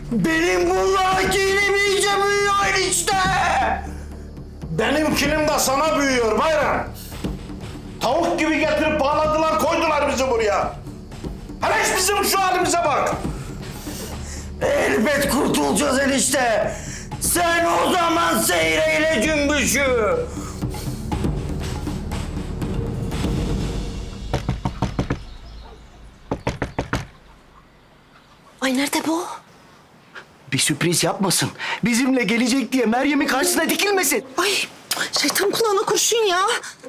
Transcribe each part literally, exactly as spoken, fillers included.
Benim bunlar kilim iyice büyüyor işte. Benim kilim de sana büyüyor Bayram. Tavuk gibi getirip bağladılar, koydular bizi buraya. Hele hiç bizim şu halimize bak. Elbet kurtulacağız enişte. Sen o zaman seyreyle cümbüşü. Ay nerede bu? Bir sürpriz yapmasın. Bizimle gelecek diye Meryem'in karşısına dikilmesin. Ay şeytan kulağına kurşun ya.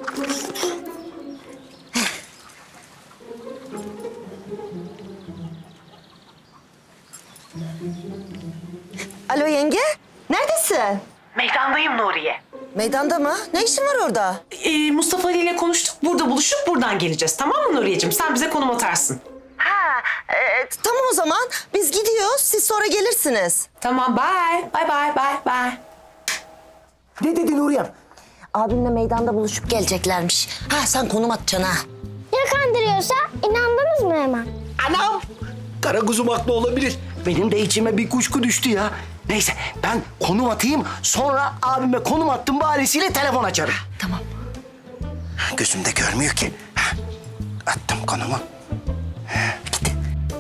Alo yenge, neredesin? Meydandayım Nuriye. Meydanda mı? Ne işin var orada? Ee, Mustafa Ali ile konuştuk. Burada buluşup buradan geleceğiz. Tamam mı Nuriyeciğim? Sen bize konum atarsın. Ha, e, tamam o zaman. Biz gidiyoruz, siz sonra gelirsiniz. Tamam, bye. Bye bye bye bye. Ne dedi Nuriyem? Abimle meydanda buluşup geleceklermiş. Ha sen konum atacaksın ha. Ya kandırıyorsa inandınız mı hemen? Anam! Karaguzum haklı olabilir. Benim de içime bir kuşku düştü ya. Neyse ben konum atayım, sonra abime konum attım bahanesiyle telefon açarım. Tamam. Gözümde görmüyor ki. Hah, attım konumu. Git.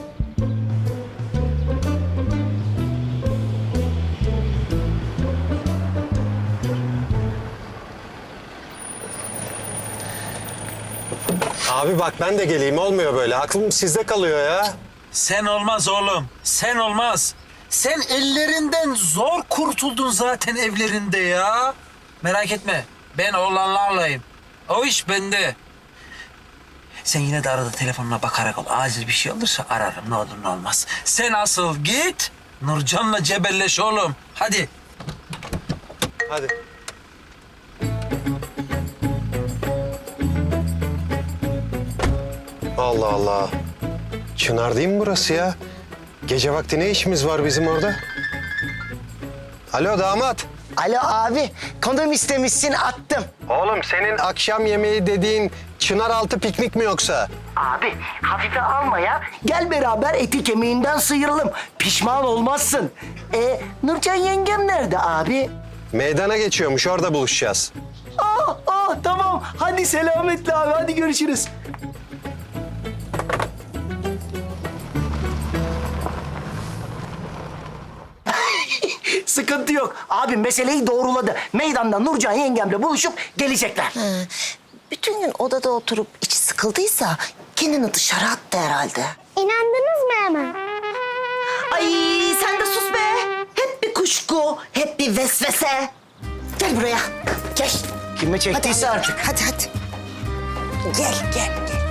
Abi bak ben de geleyim, olmuyor böyle. Aklım sizde kalıyor ya. Sen olmaz oğlum. Sen olmaz. Sen ellerinden zor kurtuldun zaten evlerinde ya. Merak etme. Ben oğlanlarlayım. O iş bende. Sen yine de arada telefonuna bakarak ol. Acil bir şey olursa ararım. Ne olur ne olmaz. Sen asıl git. Nurcan'la cebelleş oğlum. Hadi. Hadi. Allah Allah. Çınar değil mi burası ya? Gece vakti ne işimiz var bizim orada? Alo damat. Alo abi, konum istemişsin, attım. Oğlum senin akşam yemeği dediğin Çınaraltı piknik mi yoksa? Abi hafife alma ya. Gel beraber eti kemiğinden sıyıralım. Pişman olmazsın. E, Nurcan yengem nerede abi? Meydana geçiyormuş, orada buluşacağız. Ah ah tamam. Hadi selametle abi, hadi görüşürüz. Sıkıntı yok. Abi meseleyi doğruladı. Meydanda Nurcan yengemle buluşup gelecekler. Bütün gün odada oturup içi sıkıldıysa kendini dışarı attı herhalde. İnandınız mı hemen? Ay sen de sus be. Hep bir kuşku, hep bir vesvese. Gel buraya, gel. Kime çektiyse hadi, artık. Hadi hadi. Gel, gel, gel.